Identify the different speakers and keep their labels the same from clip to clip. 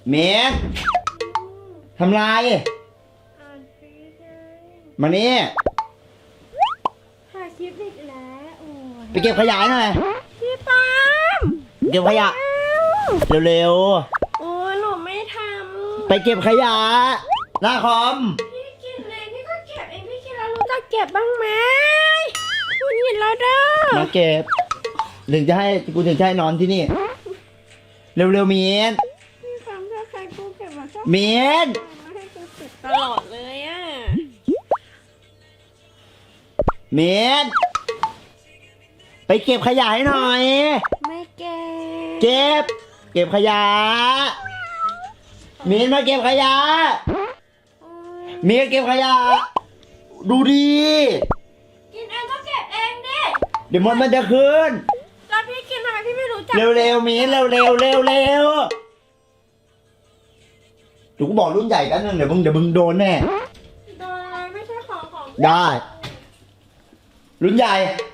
Speaker 1: เมย์ทำไรมานี่
Speaker 2: ถ่ายคลิปอีกแล้วโอ้ย
Speaker 1: ไปเก็บขยะหน่อย
Speaker 2: พี่ปาม
Speaker 1: เก็บขยะเร็ว
Speaker 2: โอ้ยหนูไม่ท
Speaker 1: ๆไปเก็บขยะหน้าคอม
Speaker 2: พี่กินเองพี่ก็เก็บเองพี่กินแล้วรู้จักเก็บบ้างไหมคุณเห็นแล้วเด้อ
Speaker 1: มาเก็บถึงจะให้กูถึงจะให้นอนที่นี่เร็วๆเมียน
Speaker 2: พี่ปามถ้าใครกูเก็บมาชอบ
Speaker 1: เมียน
Speaker 2: มาให้กูเก็บตลอดเลยอ่ะ
Speaker 1: เมียนไปเก็บขยะให้หน่อย
Speaker 2: ไม่เก็บ
Speaker 1: เก็บขยะเมียนมาเก็บขยะเมียนเก็บขยะดูดี
Speaker 2: กินเองก็เก็บเองดิ
Speaker 1: เดี๋ยวมันจะคืน
Speaker 2: แล้วพี่กินทำไมพี่ไม่รู้จัก
Speaker 1: เร็วๆเมียนเร็วเดี๋ยวกูบอกรุ่นใหญ่กันนึงเดี๋ยวมึงโดนแน่
Speaker 2: โดนอะไรไม่ใช่ของ
Speaker 1: ได้รุ่นใหญ่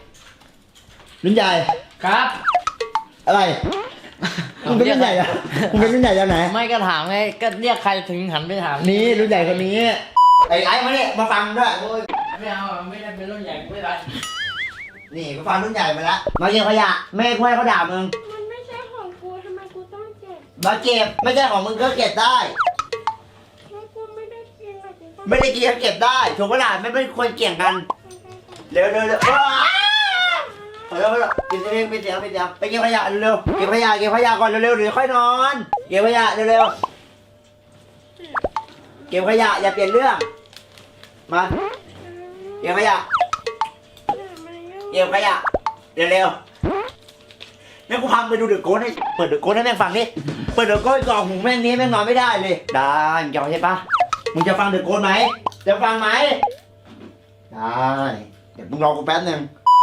Speaker 3: ครับ
Speaker 1: อะไรมึงเป็นรุ่นใหญ่อะมึงเป็นรุ่นใหญ่จากไหน
Speaker 3: ไม่ก็ถามไงก็เรียกใครถึงหันไปถาม
Speaker 1: นี่รุ่นใหญ่คนนี้ไอ้มาเนี่ยมาฟังด้วย
Speaker 3: ไม่เอาไม่ได้เป็นรุ่นใหญ่ไม่ได้
Speaker 1: นี่มาฟังรุ่นใหญ่มาแล้วมาเก็บขยะแม่คุยเขาด่ามึง
Speaker 2: มันไม่ใช่ของกูทำไมกูต้องเก็บ
Speaker 1: มาเก็บไม่ใช่ของมึงก็เก็บได้
Speaker 2: แล้วกูไม่ได้กิน
Speaker 1: ไม่ได้กินก็เก็บได้ถูกปะล่ะไม่ควรเกี่ยงกันเร็วกินเองไปเสียไปเก็บขยะเร็วเก็บขยะก่อนเร็วเดี๋ยวค่อยนอนเก็บขยะเร็วเก็บขยะอย่าเปลี่ยนเรื่องมาเก็บขยะเร็วงั้นกูพาไปดูเดอะโกสให้เปิดเดอะโกสให้แม่งฟังดิเปิดเดอะโกสกล่องหูแม่งนี้แม่งนอนไม่ได้เลยได้มึงจะใช่ปะมึงจะฟังเดอะโกสไหมจะฟังไหมได้เดี๋ยวมึงรอกูแป๊บนึง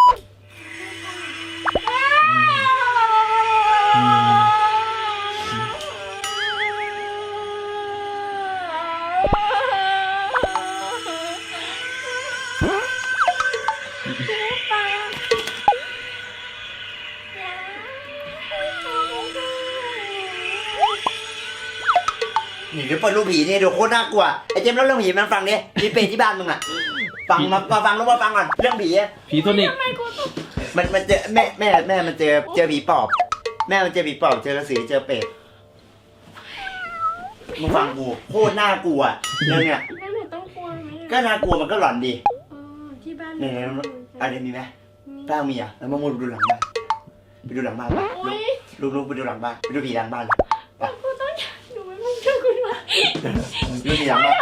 Speaker 1: นี่เดี๋ยวเปิดรูปผีนี่เดี๋ยวโคตรน่ากลัวไอ้เจมส์เล่าเรื่องผีมันฟังดิมีเป็ดที่บ้านมึงอ่ะฟังมาฟังแล้วมาฟังก่อนเรื่องผี
Speaker 3: ตัวนี้
Speaker 1: มันเจอแม่มันเจอผีปอบแม่มันเจอผีปอบเจอกระสือเจอเป็ดมึงฟังกูโคตรน่ากลัวเรื่องเนี้ย
Speaker 2: ต้องกลัวไหม
Speaker 1: ก็น่ากลัวมันก็หลอนดี
Speaker 2: ที่บ้าน
Speaker 1: เนี่ยอะไรมีไหมป้ามีอ่ะแล้วมามุดดูหลังบ้านไปดูหลังบ้านป่ะลูกไปดูหลังบ้านไปดูผีหลังบ้านเลย
Speaker 2: กูต้องดูไม่มึงช่วยกูด้วย
Speaker 1: ดูผีหลังบ้าน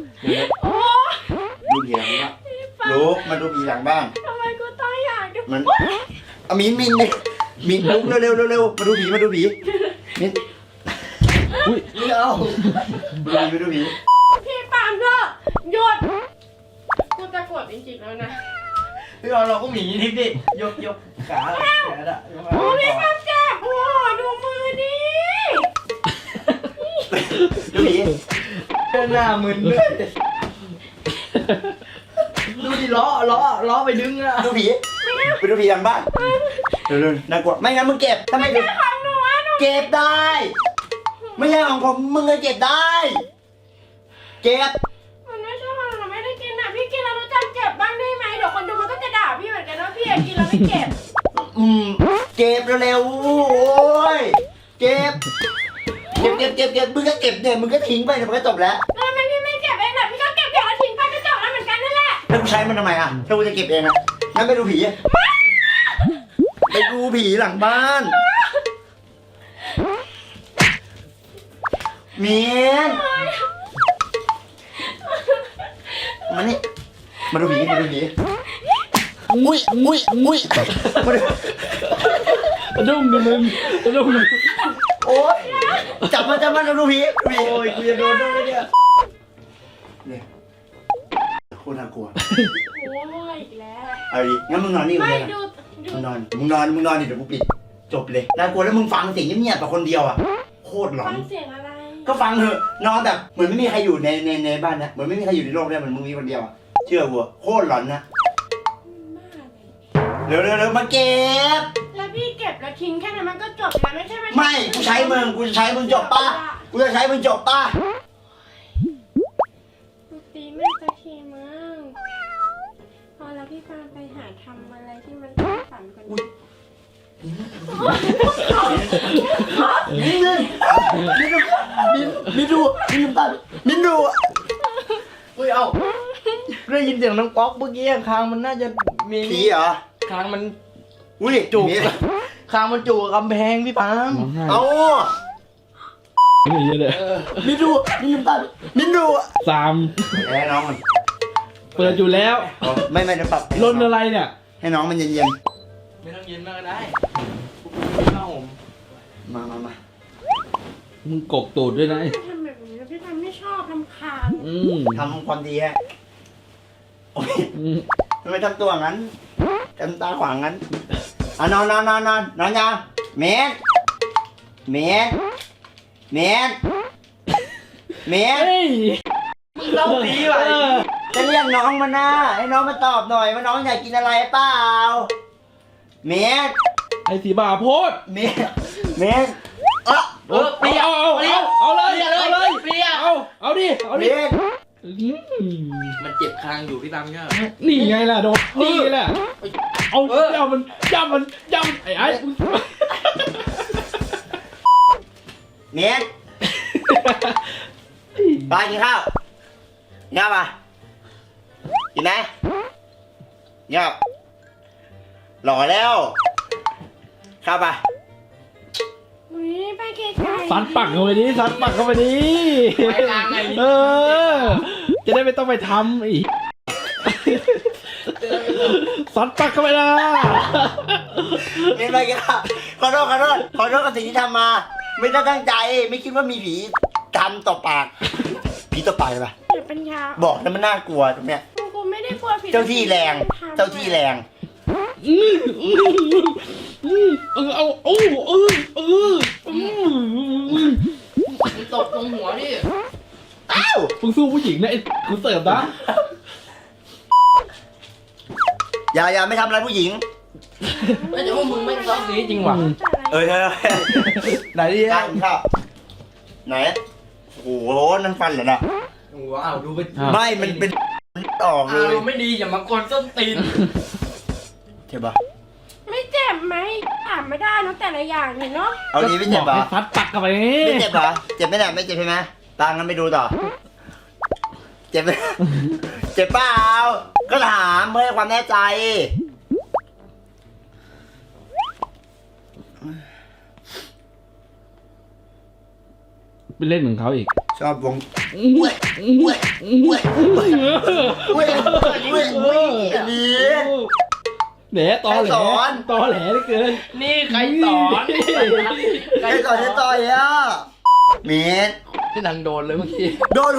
Speaker 1: ดูผีหลังบ้านลูกมาดูผีหลังบ้าน
Speaker 2: ทำไมกูต้องอยากดู
Speaker 1: มันมินลุกเร็วมาดูผีมินอุ้ยไม่เอามาดูผี
Speaker 2: พี่ปามเถอะหยุดกูจะกดจริงๆแล้วนะ
Speaker 3: พี่เราก็หมีนิดดิยกขาอะ
Speaker 2: โอ้พี่ปามเจ็บโอ้ดูมือดิ
Speaker 1: ดูผี
Speaker 3: หน้ามึนด้วยดูดิล้อไปดึงอะ
Speaker 1: ดูผีไปดูผีหลังบ้านเร็วน่ากลัวไม่งั้นมึงเก็บถ้าไม่เก็บเก็บได้ไม่ใช่ของผมมึงเลยเก็บได้เก็บ
Speaker 2: มันไม่ใช่ของเราไม่ได้กินอ่ะพี่กินแล้วรู้จักเก็บบ้างได้ไหมเดี๋ยวคนดูมันก็จะด่าพี่เหมือนกันว่าพี่กินแล้วไม่เก็บ
Speaker 1: เก็บเร็วโอ้ยเก็บมึงก็เก็บเนี่ยมึงก็ทิ้งไปเนี่ยมันก็จบแล้ว
Speaker 2: แล้วทำไมพี่ไม่เก็บเองล่ะพี่ก็เก็บแล้วทิ้งไปก็จบแล้วเหมือนกันนั่นแหละ
Speaker 1: แล้วกูใช้มันทำไมอ่ะถ้ากูจะเก็บเองอ่ะงั้นไปดูผีหลังบ้านเมียนมานี่มาดูผีอุ้ย
Speaker 3: ดุ้งดิมึง
Speaker 1: โอ๊ยจับมาดูผี
Speaker 3: โอ้ยกูจะโดนด้วยเนี่ย
Speaker 1: โคตรน่ากลัว
Speaker 2: โอ้ยอีกแล้ว
Speaker 1: เอาดิงั้นมึงนอนนี่
Speaker 2: ไม่
Speaker 1: ดูมึงนอนดิเดี๋ยวกูปิดจบเลยน่ากลัวแล้วมึงฟังเสียงเงียบๆแบบคนเดียวอ่ะโคตรหลอน
Speaker 2: ฟังเสียงอะไร
Speaker 1: ก็ฟังเถอะนอนแบบเหมือนไม่มีใครอยู่ในบ้านนะเหมือนไม่มีใครอยู่ในโลกเลยเหมือนมึงมีคนเดียวอ่ะเชื่อกูโคตรหลอนนะเร็วมาเก็บ
Speaker 2: แล้วพี่เก็บแล้วทิ้งแค่นั้นมันก็จบแล้วไม่ใช่
Speaker 1: ไม่กูใช้มึงจบปะกูกูจะใช้มึงจบป่ะ
Speaker 2: ดูตีแม่สักทีมั้งพอแล้วพี่ฟางไปหาทำอะไรที่มันสร้างสรรค์กว่านี้
Speaker 1: มินดูมินตามินดู
Speaker 3: อุ้ยเอ้าได้ยินเสียงน้องป๊อกเมื่อกี้คางมันน่าจะมี
Speaker 1: ผีเหรอ
Speaker 3: คางมัน
Speaker 1: อุ้ย
Speaker 3: จุกคางมันจุกกับกำแพงพี่ปาล์ม
Speaker 1: เอา
Speaker 4: นี่เยอะเลย
Speaker 1: มินดูมินตามินดู
Speaker 4: สาม
Speaker 1: แพ้น้องมัน
Speaker 4: เปิดอยู่แล้ว
Speaker 1: ไม่จะปรับ
Speaker 4: ลนอะไรเนี่ย
Speaker 1: ให้น้องมันเย็น
Speaker 3: ไม่ต้องเย็นมากก็ได้ข้าวผม
Speaker 1: ๆมา
Speaker 4: มึงกกตูดด้วยนะ
Speaker 2: พี่ทำแบบนี้แล้วพี่ทำไม่ชอบทำคาญ
Speaker 1: ทำความดีฮะโอ้ย
Speaker 4: อืม
Speaker 1: ทำไมทำตัวงั้นทำตาขวางงั้นอ่ะนอนยังเมนเ
Speaker 4: เฮ้ย
Speaker 3: เล่าผีว่ะ
Speaker 1: จะเรียกน้องมานะให้น้องมาตอบหน่อยว่าน้องอยากกินอะไรเปล่าเมน
Speaker 4: ไอ้สีบาโพด
Speaker 1: เมน
Speaker 3: เปรี้ยว
Speaker 4: เอาเลย
Speaker 3: เปรี้ยว
Speaker 4: เอาดิ
Speaker 1: เมน
Speaker 3: มันเจ็บคางอยู่พี่ปาล์มเนี่ย
Speaker 4: นี่ไงล่ะโดนนี่ไงล่ะเอาย่ำมันไอ้
Speaker 1: เมนไปกินข้าวเงียบป่ะกินไหมเงียบหล่อแล้วข้าวป่ะ
Speaker 2: อุ้ยไปไกลๆ
Speaker 4: สัดปักเข้าไปดิเออจะได้ไม่ต้องไปทำอีกสัดปักเข้าไปนะ
Speaker 1: เมนไปกินข้าวขอโทษกับสิ่งที่ทำมา ไม่ได้ตั้งใจไม่คิดว่ามีผีทำต่อปากผีต่อปากเลยป่ะ
Speaker 2: อย่าปัญญา
Speaker 1: บอกแล้วมันน่ากลัวตรงเนี้ย
Speaker 2: กูไม่ได้กลัวผิด
Speaker 1: เจ้าที่แรง
Speaker 3: มันตกตรงหัวพี่
Speaker 1: อ้าว
Speaker 4: มึงสู้ผู้หญิงนะไอ้กูเสิร์ฟนะ
Speaker 1: อย่าไม่ทำอะไรผู้หญิง
Speaker 3: ไม่แต่ว่ามึงไม่ซอฟต์นี้จริงว่ะ
Speaker 1: เออ
Speaker 3: ไหนดิ
Speaker 1: ได้กินข้าวไหนโอ้โหนั่นฟันเหรอน่ะ
Speaker 3: ว้าวดูเป็น
Speaker 1: ไม่มันเป็นออกเล
Speaker 3: อาย รมณ์ไม่ดีอย่ามากวนส้นตีน
Speaker 1: เจ็บปะ
Speaker 2: ไม่เจ็บไหมถามไม่ได้เนอะแต่ละอย่างเนี่ยเนาะ
Speaker 1: เอาดีไม่เจ็บปะ
Speaker 4: ให้สัดปักเข้าไป
Speaker 1: ไม่เจ็บปะเจ็บไหมเนี่ยไม่เจ็บใช่ไหมตางั้นไปดูต่อ เจ็บไหมเจ็บเปล่าก็ถามเพื่อให้ความแน่ใจ
Speaker 4: ไปเล่นเหมือนเขาอีก
Speaker 1: ชอบวง
Speaker 4: อุ้ย
Speaker 1: นี่
Speaker 4: แหนตอแหลเหลือเกิน
Speaker 3: นี่ใครสอน
Speaker 1: ไอ้ต่อยอ่ะเมน
Speaker 3: ที่นังโดนเลยเมื่อกี้
Speaker 1: โดนหู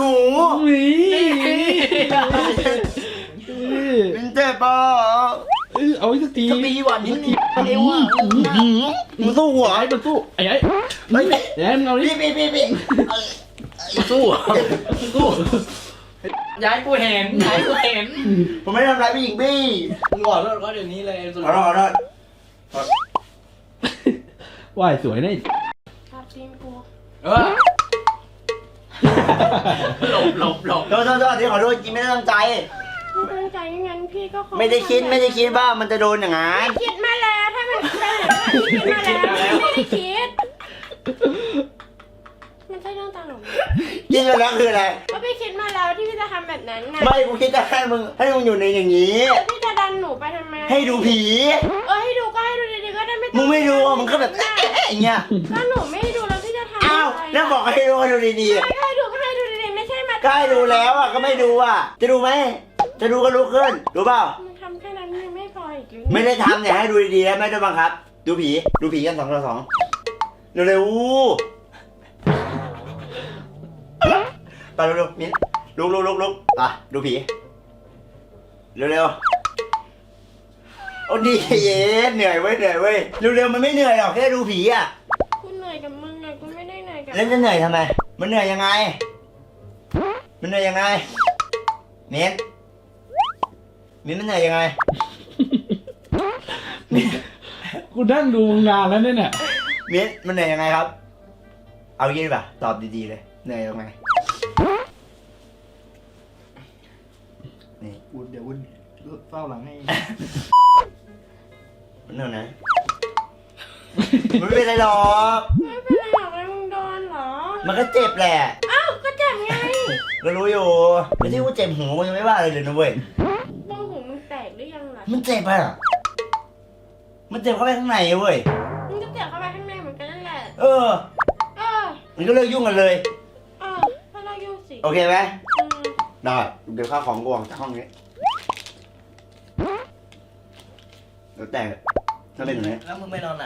Speaker 1: เป็นเจ็บป่ะ
Speaker 4: เอาอีกสักที
Speaker 3: ถ้ามีหวานนิดนึงเอวอ่ะ
Speaker 1: มึงสู้หัว
Speaker 4: ไอ้มันสู้ไอ้
Speaker 1: เฮ้ย
Speaker 4: ไอ้มึงเอาดิ
Speaker 1: พี่
Speaker 3: สู้ย้ายกูเห็น
Speaker 1: ผมไม่ทำร้ายผู้หญิงพี่
Speaker 3: มึงบอกรถก็เดี๋ยวนี้เลยสุด
Speaker 1: ขอโทษ
Speaker 4: ว่ายสวยนะ
Speaker 2: ชอบตีนกู
Speaker 3: หลบ
Speaker 1: โทษที่ขอโทษจริงไม่ได้ตั้งใจ
Speaker 2: พี่ตั้งใจงั้นพี่ก็คง
Speaker 1: ไม่ได้คิดว่ามันจะโดนอย่างนั้น
Speaker 2: คิดมาแล้วถ้ามันเป็นอย่างนั้นพี่คิดมาแล้วไม่ได้คิดมันใช่เรื่องตลกไหม
Speaker 1: คิดมาแล้วคืออะไร
Speaker 2: ก็พี่คิดมาแล้วที่พี่จะทำแบบนั้นนะ
Speaker 1: ไม่กูคิดจะให้มึงอยู่ในอย่างนี้
Speaker 2: แล้วพี่จะดันหนูไปทำไม
Speaker 1: ให้ดูผี
Speaker 2: ให้ดูก็ให้ดูดีๆก็ได้ไม่ต้อง
Speaker 1: มึงไม่ดูอ่ะมึงก็แบบอย่างเงี้ย
Speaker 2: ก็หนูไม่ให้ดูแล้วพี่จะทำ
Speaker 1: อ้าว
Speaker 2: อะไร
Speaker 1: แล้วบอกให้ดูดี
Speaker 2: ไม่ให้ดูก็ให้ดูดีๆไม่ใช่มา
Speaker 1: ๆก็ให้ดูแล้วอ่ะก็ไม่ดูอ่ะ จะดูไหมจะดูก็ลุกขึ้นรู้เปล่า
Speaker 2: มึงทำแค่นั้นยังไม่พออีกหรือ
Speaker 1: ไม่ได้ทำเนี่ยให้ดูดีๆแล้วไม่ได้บังคับ ดูผีกัน2 ต่อ 2เร็วๆไปเร็วๆมิ้นลุกอ่ะดูผีเร็วๆโอ้ดีเย็นเหนื่อยเว้ยเร็วๆมันไม่เหนื่อยหรอกแค่ดูผีอ่ะ
Speaker 2: กูเหนื่อยกับมึงไงกูไม่ได้เหนื่อยกับ
Speaker 1: แล้วจะเหนื่อยทำไมมันเหนื่อยยังไงมิ้นมันเหนื่อยยังไงมิ้นมันเหนื่อยยังไง
Speaker 4: กูนั่งดูงานแล้วเนี่ย
Speaker 1: มิ้นมันเหนื่อยยังไงครับเอางี้ดีป่ะตอบดีๆเลยเหนื่อยตรงไหนนี่
Speaker 3: เดี๋ยวคุณเฝ้าหลังให้
Speaker 1: มันเหนื่อยนะมันไม่เป็นไรหรอก
Speaker 2: ไม่เป็นไรหรอกเลยมึงโดนเหรอ
Speaker 1: มันก็เจ็บแหละ
Speaker 2: อ้าวก็เจ็บไง
Speaker 1: ก็รู้อยู่ไม่ใช่ว่าเจ็บหูมันยังไม่ว่าอะไรเลยนะเว้ย
Speaker 2: บ้องหูมึงแตกหรือยังล่ะ
Speaker 1: มันเจ็บอะมันเจ็บเข้าไปข้างในเว้ย
Speaker 2: มึงก็เจ็บเข้าไปข้างในเหมือนกันนั่นแหละ
Speaker 1: เออ
Speaker 2: เออ
Speaker 1: มันก็เลิกยุ่งกันเลย
Speaker 2: เออถ้าเรายุ่งสิ
Speaker 1: โอเคไหม
Speaker 2: อืม
Speaker 1: ได้เดี๋ยวข้าวของกูออกจากห้องนี้แล้วแต่ถ้าเป็นอย่างนี้
Speaker 3: แล้วมึงไปนอนไหน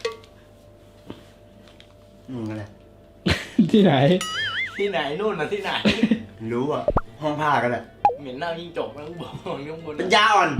Speaker 1: อะไร
Speaker 4: ที่ไหน
Speaker 3: ที่ไหนนู่นน่ะที่ไหน
Speaker 1: รู้อ่ะห้องผ้ากันแหละ
Speaker 3: เหม็นเน่ายิ่งจบแล้วกูบอกข้างบน
Speaker 1: เป็นยาอ่อน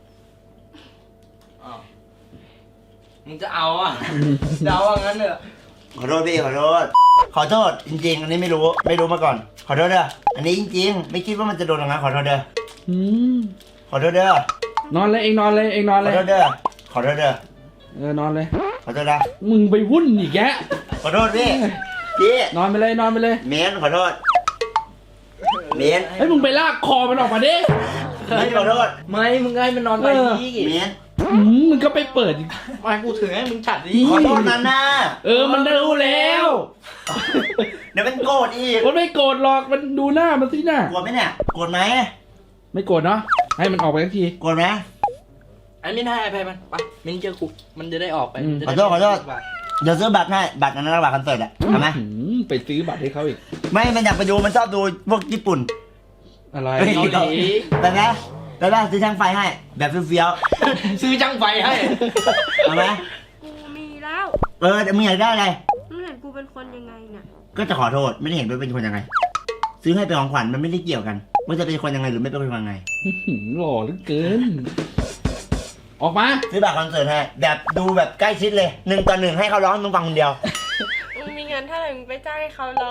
Speaker 3: อ้าวมึงจะเอาอ่ะจะเอาว่างั้นเถอะ
Speaker 1: ขอโทษพี่ขอโทษจริงๆอันนี้ไม่รู้มาก่อน ขอโทษเด้ออันนี้จริงๆไม่คิดว่ามันจะโดนอย่างนั้นขอโทษเด้อ
Speaker 4: อืม
Speaker 1: ขอโทษเด้อน
Speaker 4: อนเลยเองนอนเลยเองนอน
Speaker 1: ข
Speaker 4: เล
Speaker 1: อย โทษเด้อขอโทษเด้อน
Speaker 4: อนเลย
Speaker 1: ขอโทษนะ
Speaker 4: มึงไปวุ่นอีกแกะ
Speaker 1: ขอโทษพี่
Speaker 4: นอนไปเลยนอนไปเลย
Speaker 1: เมนขอโทษเมน
Speaker 4: เฮ้ยมึงไปลากคอมันออกมาดิ
Speaker 1: ขอโทษ
Speaker 3: ไม่มึงไงมันนอนไปดี
Speaker 1: เมน
Speaker 4: มึงก็ไปเปิดอีก
Speaker 3: ไม่กูถือให้มึงจัดดิ
Speaker 1: ขอโทษนะหน้า
Speaker 4: มันรู้แล้ว
Speaker 1: เดี๋ยวมันโกรธอีก
Speaker 4: มันไม่โกรธหรอกมันดูหน้ามันสิหน้า
Speaker 1: โกรธไหมเนี่ยโกรธไหม
Speaker 4: ไม่โกรธเนาะให้มันออกไปทันที
Speaker 1: โกรธไหม
Speaker 3: ไอ้มิ้นให้ไปมันไปมิ้นเจอกูมันจะได้ออกไป
Speaker 1: ขอโทษเดี๋ยวซื้อบัตรให้บัตรอันนั้นบัตรคอนเสิร์ตอะทำไหม
Speaker 4: ไปซื้อบัตรให้เขาอีก
Speaker 1: ไม่มันอยากไปดูมันชอบดูพวกญี่ปุ่น
Speaker 4: อะไร
Speaker 1: เฮ้ย
Speaker 3: เกาหลี
Speaker 1: ไปไหมไปไหมซื้อช่างไฟให้ แบบเฟี้ยว
Speaker 3: ซื้อจังไฟให้
Speaker 1: ๆเอาไหม
Speaker 2: กูมีแล้ว
Speaker 1: แต่มึงอยากได้อะไร
Speaker 2: มึงเห็นกูเป็นคนยังไงน่ะ
Speaker 1: ก็จะขอโทษไม่ได้เห็นว่าเป็นคนยังไง ซื้อให้เป็นของขวัญมันไม่ได้เกี่ยวกันว่าจะเป็นคนยังไงหรือไม่เป็นคนยังไง
Speaker 4: หล่อเหลือเกิน ออกมา
Speaker 1: ซื้อบัตรคอนเสิร์ตให้แบบดูแบบใกล้ชิดเลย1-1ให้เขาร้องมึงฟังคนเดียว
Speaker 2: มึงมีเงินเท่าไหร่มึงไปจ้างให้เขาร้อง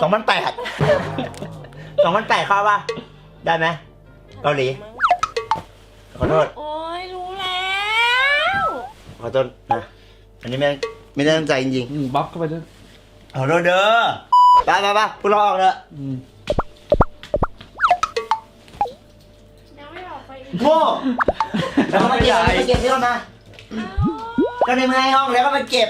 Speaker 1: 2,800เข้าป่ะได้ไหมเกาหลีขอโทษ
Speaker 2: โอ้ยรู้แล้ว
Speaker 1: ขอโทษนะอันนี้ไม่ได้ตั้งใจจริง
Speaker 4: บัฟเข้าไปด้วย
Speaker 1: ๆขอโทษเด้อไปพวกเราออกเถอะ
Speaker 2: ยังไม่ออกไปอีก
Speaker 1: โง่แล้วก็มาเก็บที่เรามา
Speaker 2: เอ้า
Speaker 1: ก็ในเมื่อให้ห้องแล้วก็มาเก็บ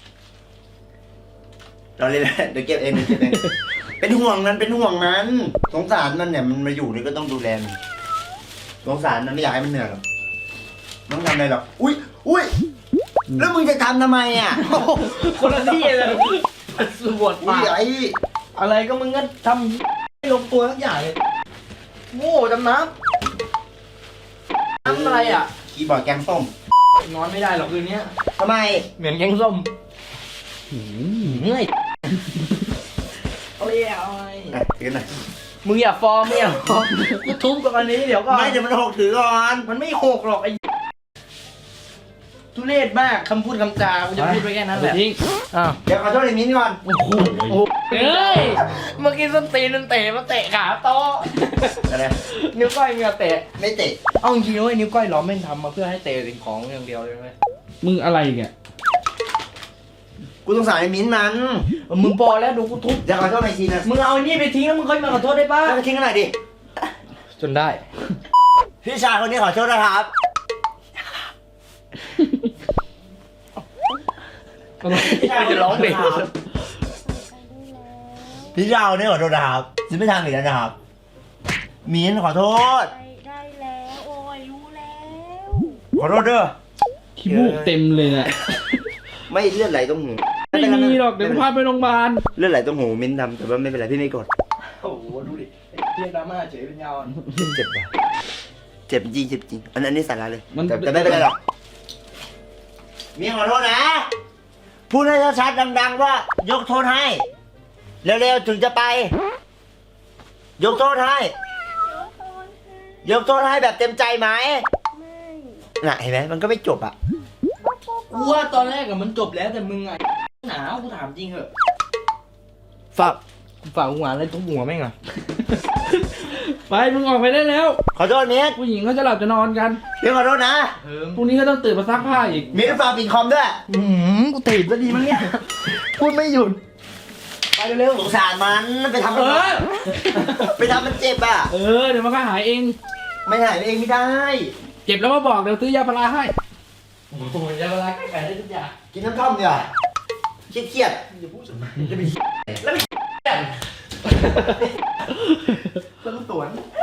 Speaker 1: เราเลยเดี๋ยวเก็บเองเป็นห่วงมันสงสารมันเนี่ยมันมาอยู่นี่ก็ต้องดูแลมันสงสารมันไม่อยากให้มันเหนื่อยหรอกไม่ต้องทำอะไรหรอกอุ้ยแล้วมึงจะทำไมอ่ะ
Speaker 3: คนละที่เลยสวด
Speaker 1: อุ้
Speaker 3: ปาย ก
Speaker 1: ไอ้
Speaker 3: อะไรก็มึงก็ทำไม่ลงตัวทั้งอย่างเลยโง่จำน้ำอะไรอ่ะ
Speaker 1: คีย์บอร์ดแกงส้ม
Speaker 3: นอนไม่ได้หรอกคืนนี้
Speaker 1: ทำไม
Speaker 3: เหมือนแกงส้มเหนื่อยเอาเลยเอาเลย
Speaker 1: ถือหน่อย
Speaker 3: มึงอย่าฟอร์มไม่อย่าฟอร์มกูทุบกับอันนี้เดี๋ยวก่อน
Speaker 1: ไม่เดี๋ยวมันหกถือก่อน
Speaker 3: มันไม่หกหรอกไอ้ทุเรศมากคำพูดคำจากูจะพูดไปแค่นั้นแหละ
Speaker 4: ทิ้ง
Speaker 3: อ้าว
Speaker 1: เดี๋ยวขอโทษไอ้มิ้นก่อน
Speaker 4: โอ้โหเอ้ย
Speaker 3: เมื่อกี้ส้นตีนมันเตะมาเตะขาโต๊ะ
Speaker 1: อะไร
Speaker 3: นิ้วก้อยมีมาเตะ
Speaker 1: ไม่เตะ
Speaker 3: เอาจริงๆเว้ยนิ้วก้อยล้อมแม่งทำมาเพื่อให้เตะสิ่งของอย่างเดียวเลยไหม
Speaker 4: มึงอะไรเนี่ย
Speaker 1: กูสงสารไอ้มิ้นมัน
Speaker 3: มึงพอแล้วดูกูทุบ
Speaker 1: เดี๋ยวขอโทษอีกทีนะ
Speaker 3: มึงเอาไอ้นี่ไปทิ้งแล้วมึงค่อยมาขอโทษได้ป่ะ
Speaker 1: ไปทิ้งกันหน่อยดิ
Speaker 3: จนได้
Speaker 1: พี่ชายคนนี้ขอโทษนะครับ
Speaker 3: จะร้องเพลง
Speaker 1: พี่ชายคนนี้ขอโทษนะครับจะไม่ทำอีกแล้วนะครับ มิ้นขอโทษ
Speaker 2: ไปได้แล้วโอ้ยรู้แล้ว
Speaker 1: ขอโทษเด้อ
Speaker 4: ขี้มูกเต็มเลยเนี่ย
Speaker 1: ไม่เลือดไหลตรงหู
Speaker 4: ไม่มีหรอกเดี๋ยวกูพาไปโรงพยาบาล
Speaker 1: เลือดไหลตรงหูมิ้นทำแต่ว่าไม่เป็นไรพี่ไม่กด
Speaker 3: โอ้โหดูดิเรียกดราม่าเฉยเป็นยาว
Speaker 1: เจ็บป่ะเจ็บจริงเจ็บจริงอันนี้สาระเลย
Speaker 4: มัน
Speaker 1: แต่ไม่เป็นไรหรอกมิ้นขอโทษนะ พูดให้ชัดๆดังๆว่า ยกโทษให้ เร็วๆถึงจะไป ยกโทษให้ ยกโทษให้แบบเต็มใจไหม
Speaker 2: ไม่
Speaker 1: น่ะเห็นไหมมันก็ไม่จบอ่ะ
Speaker 3: กูว่าตอนแรกอะมันจบแล้วแต่มึงอะหนาวกูถามจริงเหอะ
Speaker 1: ฝาก
Speaker 3: ฝากหัวอะไรทุบหัวแม่งอะ
Speaker 4: ไปมึงออกไปได้แล้ว
Speaker 1: ขอโทษมิ้น
Speaker 4: ผู้หญิงเขาจะหลับจะนอนกัน
Speaker 1: มิ้นขอโทษนะ
Speaker 4: พรุ่งนี้ก็ต้องตื่นมาซักผ้าอีก
Speaker 1: มิ้นฝากปิดคอมด้วย
Speaker 3: กูตีบซะดีมั้งเนี่ย พูดไม่หยุดไปเร็ว
Speaker 1: สงสารมันไปทำมันไปทำมันเจ็บอ่ะ
Speaker 4: เดี๋ยวมันก็หายเอง
Speaker 1: ไม่หายเองไม่ได้
Speaker 4: เจ็บแล้วมาบอกเดี๋ยวซื้อยาพาราให้
Speaker 3: โอ้ยยาพาราแก้ไขได้ทุกอย่าง
Speaker 1: กินน้ำท่อมดีกว่าเครียด
Speaker 3: อย่าพูด
Speaker 1: ๆจะไป
Speaker 3: แล้วมีต้นสวน